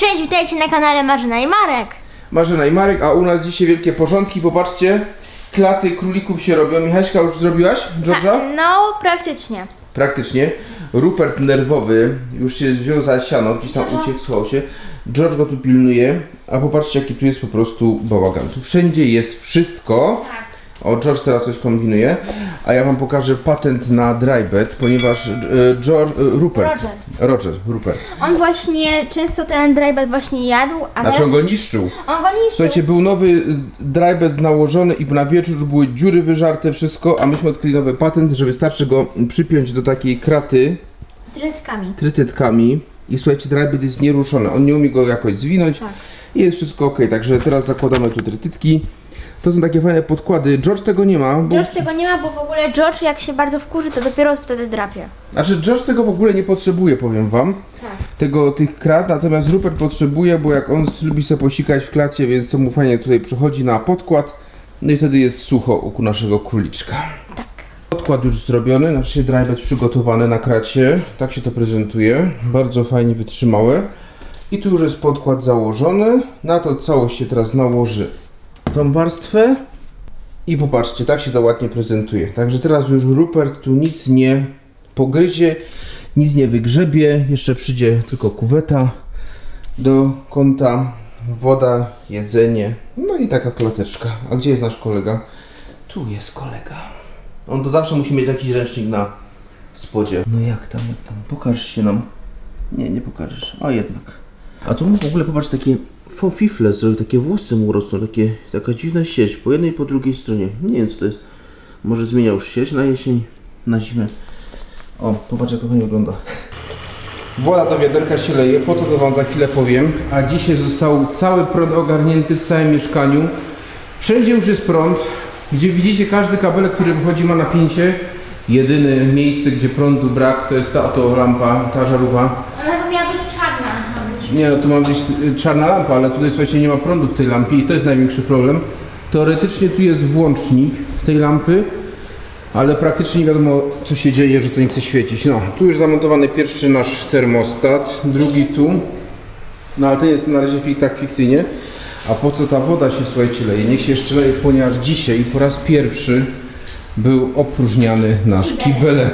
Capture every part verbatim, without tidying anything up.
Cześć, witajcie na kanale Marzena i Marek. Marzena i Marek, a u nas dzisiaj wielkie porządki. Popatrzcie, klaty królików się robią. Michaśka, już zrobiłaś? George'a? No, praktycznie. Praktycznie. Rupert nerwowy już się wziął za siano, gdzieś tam uciekł, schował się. George go tu pilnuje, a popatrzcie, jaki tu jest po prostu bałagan. Tu wszędzie jest wszystko. Tak. O, George teraz coś kombinuje, a ja wam pokażę patent na drybed, ponieważ e, George, e, Rupert, Roger. Roger, Rupert, On właśnie często ten drybed właśnie jadł, a znaczy on go niszczył. on go niszczył. Słuchajcie, był nowy drybed nałożony i na wieczór już były dziury wyżarte, wszystko, a myśmy odkryli nowy patent, że wystarczy go przypiąć do takiej kraty Trytkami. trytytkami i słuchajcie, drybed jest nieruszony, on nie umie go jakoś zwinąć Tak. i jest wszystko ok, także teraz zakładamy tu trytytki. To są takie fajne podkłady. George tego nie ma, bo... George tego nie ma, bo w ogóle George jak się bardzo wkurzy, to dopiero wtedy drapie. Znaczy George tego w ogóle nie potrzebuje, powiem wam. Tak. Tego, tych krat, natomiast Rupert potrzebuje, bo jak on lubi sobie posikać w klacie, więc to mu fajnie tutaj przychodzi na podkład. No i wtedy jest sucho u naszego króliczka. Tak. Podkład już zrobiony, znaczy drybed przygotowany na kracie. Tak się to prezentuje. Bardzo fajnie wytrzymałe. I tu już jest podkład założony. Na to całość się teraz nałoży tą warstwę. I popatrzcie, tak się to ładnie prezentuje. Także teraz już Rupert tu nic nie pogryzie, nic nie wygrzebie. Jeszcze przyjdzie tylko kuweta do kąta, woda, jedzenie, no i taka klateczka. A gdzie jest nasz kolega? Tu jest kolega. On to zawsze musi mieć jakiś ręcznik na spodzie. No jak tam, jak tam? Pokaż się nam. Nie, nie pokażesz. A jednak. A tu w ogóle popatrz, takie fofifle zrobił, takie włosy mu rosną, takie, taka dziwna sieć po jednej i po drugiej stronie. Nie wiem co to jest. Może zmieniał już sieć na jesień, na zimę. O, popatrz jak to fajnie wygląda. Woda do wiaderka się leje, po co to wam za chwilę powiem. A dzisiaj został cały prąd ogarnięty w całym mieszkaniu. Wszędzie już jest prąd. Gdzie widzicie, każdy kabelek, który wychodzi, ma napięcie. Jedyne miejsce, gdzie prądu brak, to jest ta oto lampa, ta żarówka. Ona by miała być czarna. Nie, no tu ma być czarna lampa, ale tutaj słuchajcie, nie ma prądu w tej lampie i to jest największy problem. Teoretycznie tu jest włącznik tej lampy, ale praktycznie nie wiadomo co się dzieje, że to nie chce świecić. No, tu już zamontowany pierwszy nasz termostat, drugi tu. No ale to jest na razie tak fikcyjnie. A po co ta woda się, słuchajcie, leje? Niech się jeszcze leje, ponieważ dzisiaj po raz pierwszy był opróżniany nasz kibelek.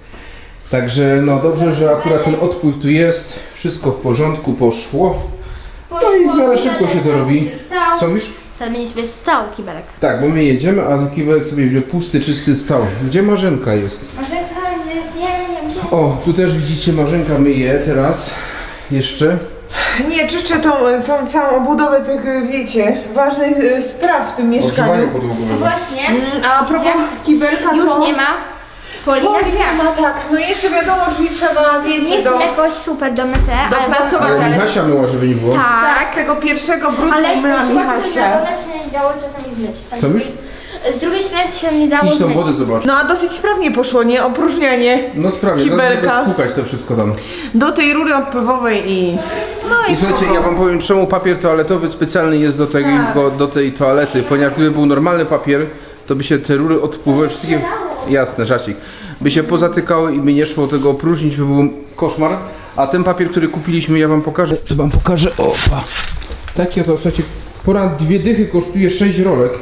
Także no dobrze, że akurat ten odpływ tu jest. Wszystko w porządku, poszło. No i w miarę szybko się to robi. Co mówisz? To będzie sobie stał kibelek. Tak, bo my jedziemy, a kibelek sobie będzie pusty, czysty stał. Gdzie Marzenka jest? Marzenka jest, nie wiem, gdzie. O, tu też widzicie, Marzenka myje teraz. Jeszcze. Nie, czyszczę tą, tą całą obudowę tych, wiecie, ważnych e, spraw w tym Ogrzewanie mieszkaniu. podłogowe. Właśnie. Mm, A propos Widzicie? kibelka Już to... nie ma folii na Folii drzwiach. nie ma, tak. No i jeszcze wiadomo, drzwi trzeba, Nie wiecie, jest do... jakoś super domyte, ale... Dopracować. Ale ale- Michasia myła, żeby nie było. Tak, z tego pierwszego brudu Ale myła z Michasia. się nie dało czasami zmyć. Co mówisz? Z drugiej strony się nie dało Idź tą zmyć. wodę zobacz. No a dosyć sprawnie poszło, nie? Opróżnianie No sprawnie, kibelka. teraz spukać to wszystko tam. do tej rury odpływowej i... No i, I słuchajcie, spoko. ja wam powiem, czemu papier toaletowy specjalny jest do, tego, Tak. do tej toalety, ponieważ gdyby był normalny papier, to by się te rury odpływowe, wszystkie, jasne, żarcik, by się pozatykały i by nie szło tego opróżnić, by był koszmar. A ten papier, który kupiliśmy, ja wam pokażę, to wam pokażę, opa. Takie to, słuchajcie, ponad dwie dychy kosztuje sześć rolek.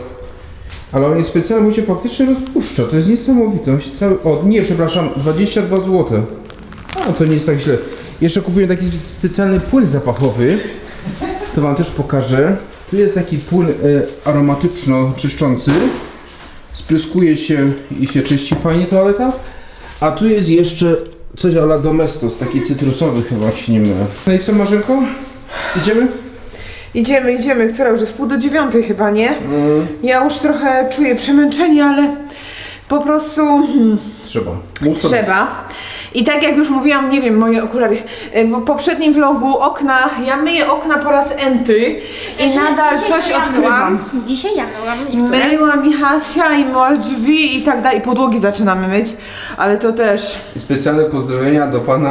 Ale on jest specjalny, bo się faktycznie rozpuszcza, to jest niesamowite. On się cały... O nie, przepraszam, dwadzieścia dwa złote. A to nie jest tak źle. Jeszcze kupiłem taki specjalny płyn zapachowy. To wam też pokażę. Tu jest taki płyn e, aromatyczno-czyszczący. Spryskuje się i się czyści fajnie toaleta. A tu jest jeszcze coś a la Domestos, taki cytrusowy chyba, jak się nie mylę. No i co, Marzenko? Idziemy? Idziemy, idziemy, która już jest pół do dziewiątej chyba, nie? Mm, Ja już trochę czuję przemęczenie, ale po prostu hmm, trzeba. Mów sobie. trzeba. I tak jak już mówiłam, nie wiem, moje okulary, w poprzednim vlogu okna, ja myję okna po raz enty i Znaczy, nadal dzisiaj coś ja odkrywam. myłam. Dzisiaj ja myłam niektóre. Myła Michasia i myła drzwi i tak dalej, i podłogi zaczynamy myć, ale to też I specjalne pozdrowienia do pana,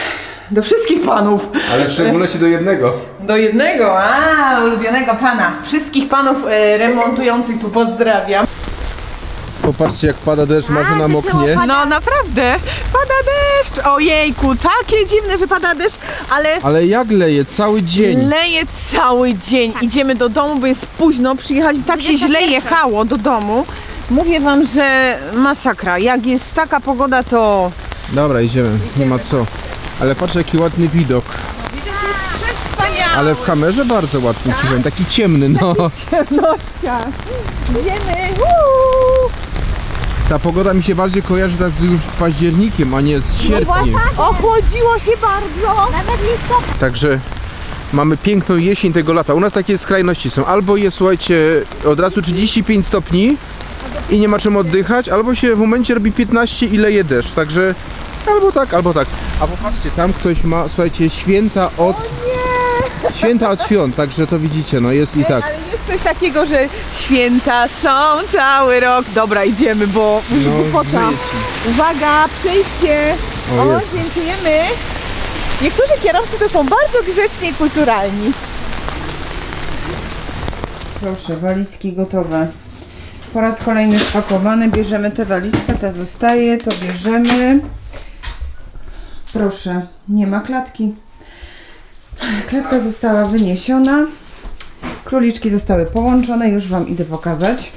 do wszystkich panów. ale w szczególności do jednego. Do jednego, a ulubionego pana. Wszystkich panów e, remontujących tu pozdrawiam. Popatrzcie jak pada deszcz, Marzena A, zaczęło moknie. padać. No naprawdę, pada deszcz! Ojejku, takie dziwne, że pada deszcz, ale Ale jak leje? Cały dzień. leje cały dzień. Idziemy do domu, bo jest późno, przyjechać, tak się źle dwudziesta pierwsza. jechało do domu. Mówię wam, że masakra. Jak jest taka pogoda, to Dobra, idziemy, nie ma co. Ale patrz jaki ładny widok. widok jest przewspaniały. Ale w kamerze bardzo ładny ci powiem, taki ciemny, no. ciemnościach. Idziemy. Uuu. Ta pogoda mi się bardziej kojarzy teraz już z październikiem, a nie z sierpniem. Ochłodziło się bardzo. Nawet listopad. Także mamy piękną jesień tego lata. U nas takie skrajności są. Albo jest, słuchajcie, od razu trzydzieści pięć stopni i nie ma czym oddychać, albo się w momencie robi piętnaście i leje deszcz. Także albo tak, albo tak. A popatrzcie, tam ktoś ma, słuchajcie, święta od... Święta od świąt, także to widzicie, no jest i tak. Ale jest coś takiego, że święta są cały rok. Dobra, idziemy, bo już No, głupota. grzeje ci. Uwaga, przejście. O, O, jest. dziękujemy. Niektórzy kierowcy to są bardzo grzeczni i kulturalni. Proszę, walizki gotowe. Po raz kolejny spakowane. Bierzemy tę walizkę, ta zostaje, to bierzemy. Proszę, nie ma klatki. Klatka została wyniesiona. Króliczki zostały połączone, już wam idę pokazać.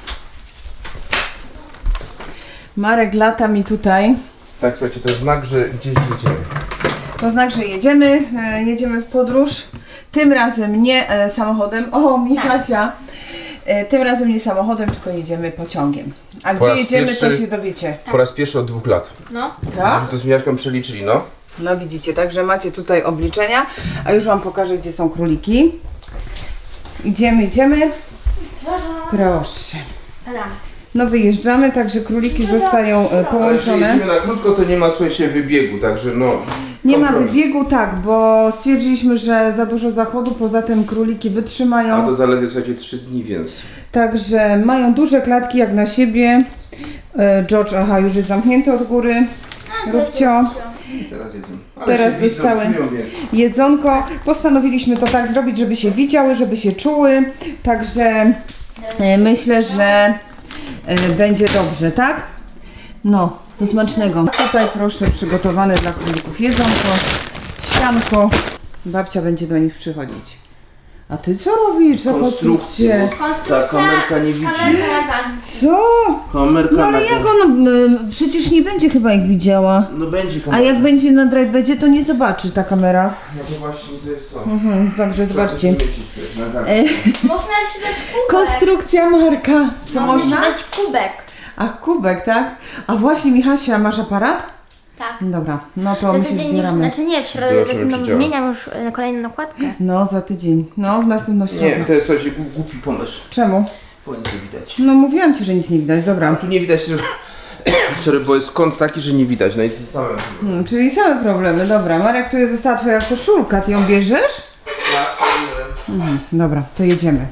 Marek lata mi tutaj. Tak, słuchajcie, to jest znak, że gdzieś jedziemy. To znak, że jedziemy, e, jedziemy w podróż. Tym razem nie e, samochodem. O, Michasia. E, tym razem nie samochodem, tylko jedziemy pociągiem. A Po gdzie raz jedziemy, pierwszy- to się dowiecie. Po raz pierwszy od dwóch lat. No. Tak? To z Mijaśką przeliczyli, no. No widzicie, także macie tutaj obliczenia. A już wam pokażę, gdzie są króliki. Idziemy, idziemy. Proszę. Tadam. No wyjeżdżamy, także króliki zostają e, Ale jeśli połączone. jedziemy na krótko, to nie ma, słuchajcie, wybiegu, także no. Nie ma kompromis. wybiegu, tak, bo stwierdziliśmy, że za dużo zachodu, poza tym króliki wytrzymają. A to zaledwie, słuchajcie, trzy dni, więc. Także mają duże klatki jak na siebie. E, George, aha, już jest zamknięty od góry. Róbcio, I teraz jedzą. Ale Teraz się widzą, dostały. czują, więc. jedzonko. Postanowiliśmy to tak zrobić, żeby się widziały, żeby się czuły. Także e, myślę, że e, będzie dobrze, tak? No, do smacznego. Tutaj proszę przygotowane dla królików jedzonko, sianko. Babcia będzie do nich przychodzić. A ty co robisz za konstrukcję? Ta kamerka nie widzi. Co? Kamerka No ale na jak ona, y, przecież nie będzie chyba jak widziała. No będzie A kamerka. jak będzie na drive to nie zobaczy ta kamera. No to właśnie to jest to. Mhm, także zobaczcie. Trzeba coś zmieścić też na kartę. E, Można jeszcze dać kubek. konstrukcja Marka. Co Można można? jeszcze dać kubek. Ach, kubek, tak? A właśnie Michasia, masz aparat? Tak. Dobra, no to Za my się tydzień już, zbieramy. znaczy nie, w środę Zobaczymy, następną czy działa. zmieniam już e, kolejną nakładkę. No, za tydzień. No, w następną Nie, środę. to jest, słuchajcie, głup- głupi pomysł. Czemu? Bo nic nie widać. No mówiłam ci, że nic nie widać, A dobra. tu nie widać, że... Sorry, bo jest kąt taki, że nie widać. No i to same. Hmm, czyli same problemy, dobra. Marek, tu została twoja koszulka, ty ją bierzesz? Mhm, dobra, to jedziemy.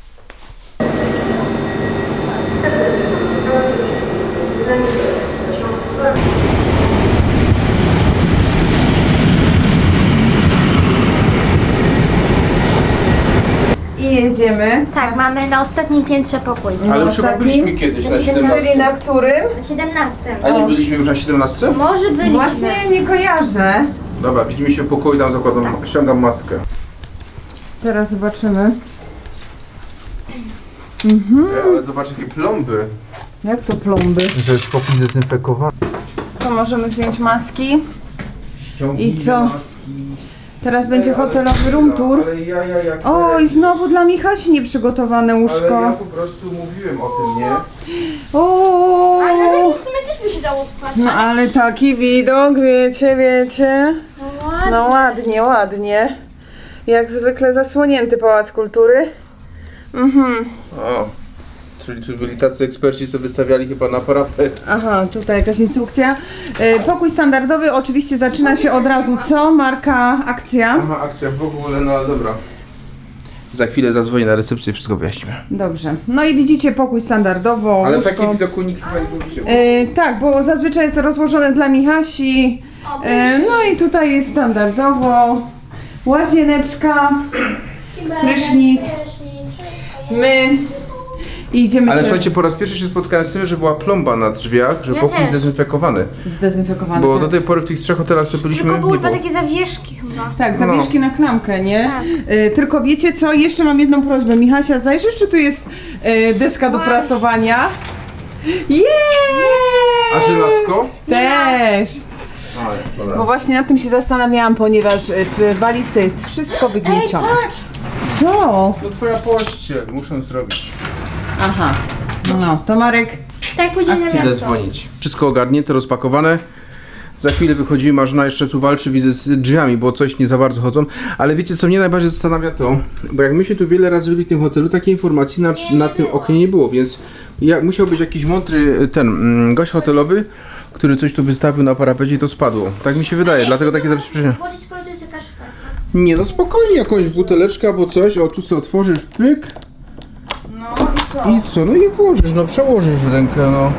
I jedziemy. Tak, mamy na ostatnim piętrze pokój. Ale już chyba Ostatni? byliśmy kiedyś na Na Czyli siedemnastce. na którym? Na siedemnastym. A nie byliśmy już na siedemnastce? Może byliśmy. Właśnie nie kojarzę. Dobra, widzimy się w pokoju, tam zakładam, ściągam maskę. Teraz zobaczymy. Mhm. E, ale zobacz jakie plomby. Jak to plomby? To jest pokój zdezynfekowany. To możemy zdjąć maski. Ściągnijmy I co? maski. Teraz będzie E, ale hotelowy room chwila, tour. Ale ja, ja, jak O, i znowu dla Michasi nieprzygotowane Ale ja łóżko. po prostu mówiłem o tym, nie? O. Ale na takim w sumie też by się dało spać. No ale taki widok, wiecie, wiecie. No ładnie. No ładnie, ładnie. Jak zwykle zasłonięty Pałac Kultury. Mhm. O, czyli tu byli tacy eksperci, co wystawiali chyba na parapet. Aha, tutaj jakaś instrukcja. E, Pokój standardowy oczywiście zaczyna się od razu co? Marka, akcja. Aha, akcja w ogóle, no ale dobra. Za chwilę zadzwonię na recepcję i wszystko wyjaśnimy. Dobrze. No i widzicie pokój standardowo. Ale łóżko. taki widoku nikt chyba nie widział. E, tak, bo zazwyczaj jest to rozłożone dla Michasi. O, E, no i tutaj jest standardowo. Łazieneczka, kibelek, prysznic. prysznic, wszystko jest. my I idziemy Ale się słuchajcie, po raz pierwszy się spotkałem z tym, że była plomba na drzwiach, że Ja pokój też. zdezynfekowany. zdezynfekowane. Bo tak. do tej pory w tych trzech hotelach, co byliśmy, Tylko były nie chyba było. takie zawieszki chyba. Tak, No. zawieszki na klamkę, nie? Tak. Y, tylko wiecie co, jeszcze mam jedną prośbę. Michasia, zajrzysz, czy tu jest y, deska do Właśnie. prasowania? Jej! A żelazko? Też! Ale, dobra. Bo właśnie nad tym się zastanawiałam, ponieważ y, w walizce jest wszystko Ej, wygniecione. patrz! Co? To twoja pościel, muszę zrobić. Aha. No, to Marek. Tak pójdziemy na Idę miasto. dzwonić. Wszystko ogarnięte, rozpakowane. Za chwilę wychodzimy, Marzena jeszcze tu walczy, widzę, z drzwiami, bo coś nie za bardzo chodzą. Ale wiecie, co mnie najbardziej zastanawia to, bo jak my się tu wiele razy byli w tym hotelu, takiej informacji na, na tym oknie nie było, więc ja, musiał być jakiś mądry ten mm, gość hotelowy, który coś tu wystawił na parapecie i to spadło. Tak mi się wydaje, dlatego takie zabezpieczenie. Wchodzić, skoro to jest jakaś szklanka. Nie no, spokojnie, jakąś buteleczkę albo coś, o tu sobie otworzysz, pyk No i co? i co, no i włożysz, no przełożysz rękę, no.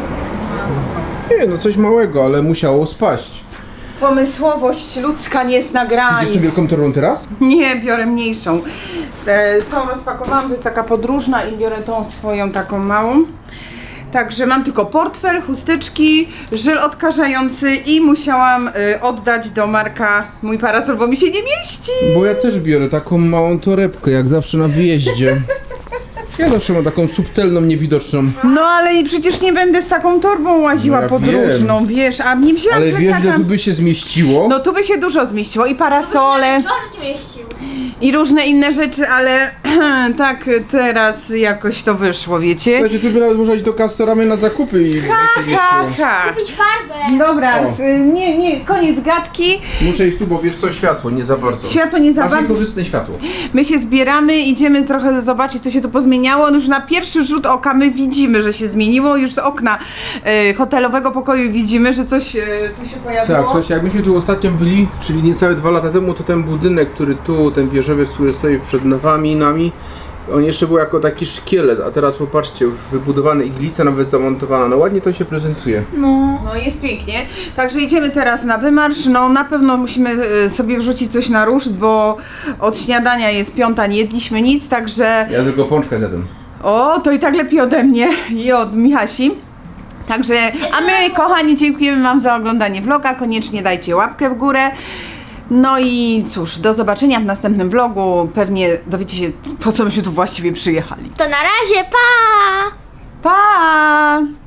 Nie no, coś małego, ale musiało spaść. Pomysłowość ludzka nie zna Idziesz granic. tu wielką torbą teraz? Nie, biorę mniejszą. E, tą rozpakowałam, to jest taka podróżna i biorę tą swoją taką małą. Także mam tylko portfel, chusteczki, żel odkażający i musiałam y, oddać do Marka mój parasol, bo mi się nie mieści. Bo ja też biorę taką małą torebkę, jak zawsze na wyjeździe. Ja zawsze mam taką subtelną, niewidoczną. No ale i przecież nie będę z taką torbą łaziła No ja podróżną, wiesz, a nie wzięłam Ale wiesz, plecaka. ile tu by się zmieściło? No tu by się dużo zmieściło i parasole George nie mieścił. i różne inne rzeczy, ale tak teraz jakoś to wyszło, wiecie? Słuchajcie, tu by nawet można iść do Castoramy na zakupy i by się Ha, mieściło. ha. Kupić farbę. Dobra, O. s- nie, nie, koniec gadki. Muszę iść tu, bo wiesz co, światło, nie za bardzo. Światło nie za Masz bardzo. niekorzystne światło. My się zbieramy, idziemy trochę zobaczyć, co się tu pozmieniało. No już na pierwszy rzut oka my widzimy, że się zmieniło. Już z okna e, hotelowego pokoju widzimy, że coś e, tu się pojawiło. Tak, słuchajcie, jak myśmy tu ostatnio byli, czyli niecałe dwa lata temu, to ten budynek, który tu, ten wieżowiec, który stoi przed nami, nami, on jeszcze był jako taki szkielet, a teraz popatrzcie, już wybudowany, iglica nawet zamontowana, no ładnie to się prezentuje. No. No jest pięknie. Także idziemy teraz na wymarsz. No na pewno musimy e, sobie wrzucić coś na ruszt, bo od śniadania jest piąta, nie jedliśmy nic, także... Ja tylko pączkę zjadłem. O, to i tak lepiej ode mnie i od Michasi. Także, a my kochani dziękujemy wam za oglądanie vloga, koniecznie dajcie łapkę w górę. No i cóż, do zobaczenia w następnym vlogu, pewnie dowiecie się, po co myśmy tu właściwie przyjechali. To na razie, pa! Pa!